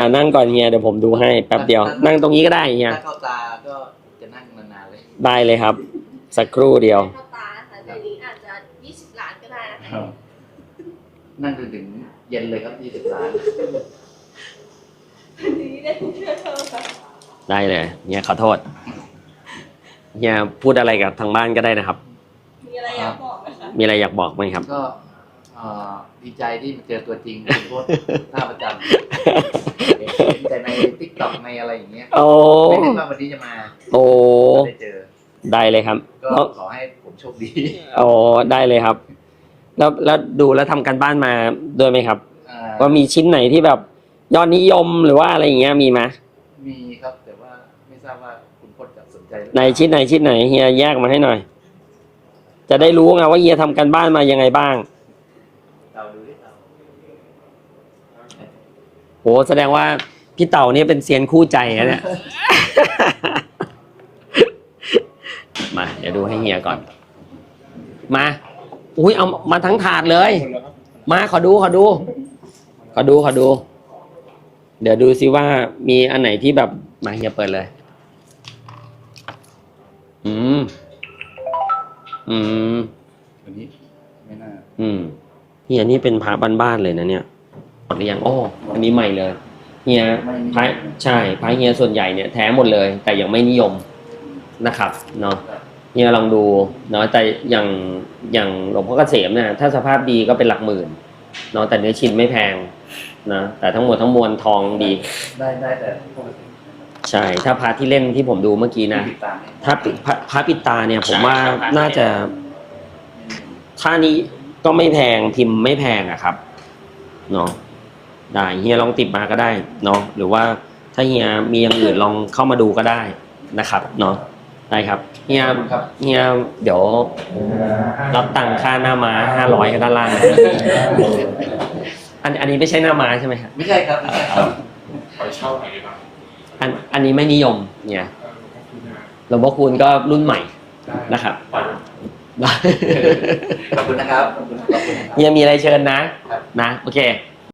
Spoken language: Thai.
นั่งก่อนเฮียเดี๋ยวผมดูให้แป๊บเดียวนั่งตรงนี้ก็ได้เฮียถ้าเข้าตาก็จะนั่งนานๆเลยได้เลยครับสักครู่เดียวเข้าตาค่ะเดี๋ยวนี้อาจจะ20 ล้านก็ได้นะคะนั่งจนถึงเย็นเลยครับ20 ล้านอันนี้ได้ทุกเชื่อเธอค่ะได้เลยเฮียขอโทษเฮียพูดอะไรกับทางบ้านก็ได้นะครับมีอะไรอยากบอกไหมคะมีอะไรอยากบอกไหมครับก็ดีใจที่มาเจอตัวจริงคุณโคตรท่าประจำดีใจในทิกตอกในอะไรอย่างเงี้ยโอ้ไม่นึกว่าวันนี้จะมาโอ้ได้เจอได้เลยครับก็ขอให้ผมโชคดีโอ้ได้เลยครับ แล้วดูแล้วทำการบ้านมาด้วยไหมครับอ่าว่ามีชิ้นไหนที่แบบยอดนิยมหรือว่าอะไรอย่างเงี้ยมีไหมมีครับแต่ว่าไม่ทราบว่าคุณพจน์จะสนใจหรือเปในล่าชิ้นไหนเฮียแยกมาให้หน่อย จะได้รู้ไงว่าเฮียทำการบ้านมายังไงบ้างเราดูดิเราโหแสดงว่าพี่เต่าเนี่ยเป็นเซียนคู่ใจนะเนี่ย มาเดี๋ยวดูให้เฮียก่อน มาอุ้ยเอามาทั้งถาดเลย มาขอดู เดี๋ยวดูซิว่ามีอันไหนที่แบบมาเฮียเปิดเลย อืมอันนี้ไม่น่าเฮียนี่เป็นพระบ้านๆเลยนะเนี่ยหมดหรือยังโอ้อันนี้ใหม่เลยเฮียพระใช่พระเฮียส่วนใหญ่เนี่ยแท้หมดเลย แต่ยังไม่นิยมนะครับเนาะเฮียลองดูเนาะแต่อย่างหลวงพ่อเกษมเนี่ยถ้าสภาพดีก็เป็นหลักหมื่นเนาะแต่เนื้อชิ้นไม่แพงนะแต่ทั้งหมดทั้งมวลทองดีได้แต่ปกติใช่ถ้าพระที่เล่นที่ผมดูเมื่อกี้นะติดตามเนี่ยถ้าพระปิดตาเนี่ยผมว่าน่าจะค่านี้ก็ไม่แพงพิมพ์ไม่แพงอะครับเนาะได้เฮียลองติดมาก็ได้เนาะหรือว่าถ้าเฮียมีอย่างอื่นลองเข้ามาดูก็ได้นะครับเนาะได้ครับเฮียเดี๋ยวรับตังค่าหน้าม้า500ด้านล่างนะอันนี้ไม่ใช่หน้าม้าใช่ไหมครับไม่ใช่ครับไม่ใช่ครับขอเช่าหน่อยดีกว่าอันนี้ไม่นิยมเนี่ยหลวงพ่อคูณก็รุ่นใหม่นะครับขอบคุณนะครับขอบคุณนะครับเฮียมีอะไรเชิญนะโอเค